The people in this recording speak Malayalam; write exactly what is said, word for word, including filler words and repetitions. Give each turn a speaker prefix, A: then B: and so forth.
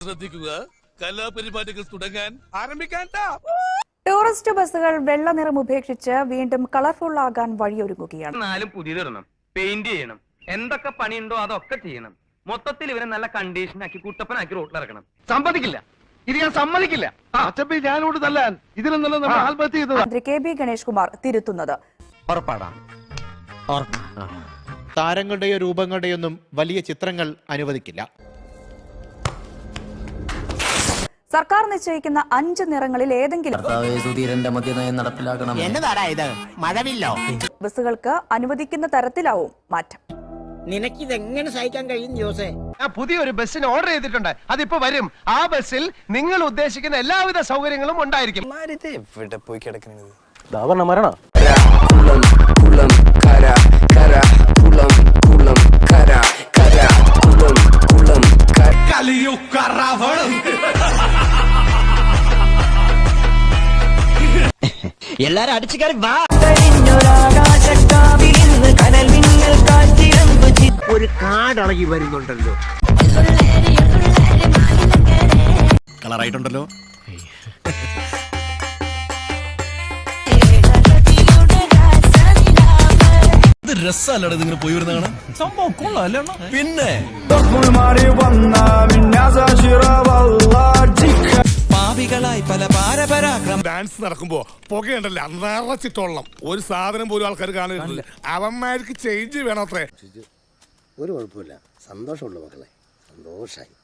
A: ശ്രദ്ധിക്കുക, കലാപരിപാടികൾ തുടങ്ങാൻ ആരംഭിക്കാൻ.
B: ടൂറിസ്റ്റ് ബസ്സുകൾ വെള്ള നിറം ഉപേക്ഷിച്ച് വീണ്ടും കളർഫുൾ ആകാൻ വഴിയൊരുങ്ങുകയാണ്.
C: നാലും പുതിയതിടണം, പെയിന്റ് ചെയ്യണം, എന്തൊക്കെ പണിയുണ്ടോ അതൊക്കെ ചെയ്യണം. മൊത്തത്തിൽ ഇവരെ നല്ല കണ്ടീഷനാക്കി കുട്ടപ്പനാക്കി റോട്ടിലിറക്കണം. സമ്മതിക്കില്ല, ഇത് ഞാൻ സമ്മതിക്കില്ല.
D: ഞാനോട് തല്ലാൻ ഇതിലെന്നല്ല നമ്മൾ ആത്മഹത്യ ചെയ്തത്.
B: മന്ത്രി കെ ബി ഗണേഷ് കുമാർ തിരുത്തുന്നത്.
E: താരങ്ങളുടെയോ രൂപങ്ങളുടെയൊന്നും വലിയ ചിത്രങ്ങൾ അനുവദിക്കില്ല.
B: സർക്കാർ നിശ്ചയിക്കുന്ന അഞ്ച് നിറങ്ങളിൽ ഏതെങ്കിലും ബസ്സുകൾക്ക് അനുവദിക്കുന്ന തരത്തിലാവും മാറ്റം.
F: നിനക്കിതെങ്ങനെ സഹിക്കാൻ കഴിയും ജോസേ?
D: പുതിയൊരു ബസ്സിന് ഓർഡർ ചെയ്തിട്ടുണ്ട്, അതിപ്പോ വരും. ആ ബസ്സിൽ നിങ്ങൾ ഉദ്ദേശിക്കുന്ന എല്ലാവിധ സൗകര്യങ്ങളും ഉണ്ടായിരിക്കും.
G: എവിടെ പോയി കിടക്കുന്നത്?
D: മരണ
F: എല്ലാരും അടിച്ചു കയറി വാ. ഒരു കാടളകി വരുന്നുണ്ടല്ലോ.
A: കളറായിട്ടുണ്ടല്ലോ. ഇത് രസമല്ലട നിങ്ങൾ പോയി വരുന്ന കാണാൻ. സംഭവം കൊള്ളാം. പിന്നെ പാപികളായി പല പാരപരാക്രമം ഡാൻസ് നടക്കുമ്പോ പുകയുണ്ടല്ലോ നിറച്ചിട്ടോളണം. ഒരു സാധനം പോലും ആൾക്കാർ കാണുന്നുണ്ട്. അവന്മാർക്ക് ചേഞ്ച് വേണം അത്രേ.
G: ഒരു കുഴപ്പമില്ല, സന്തോഷമുള്ളൂ മക്കളെ, സന്തോഷായി.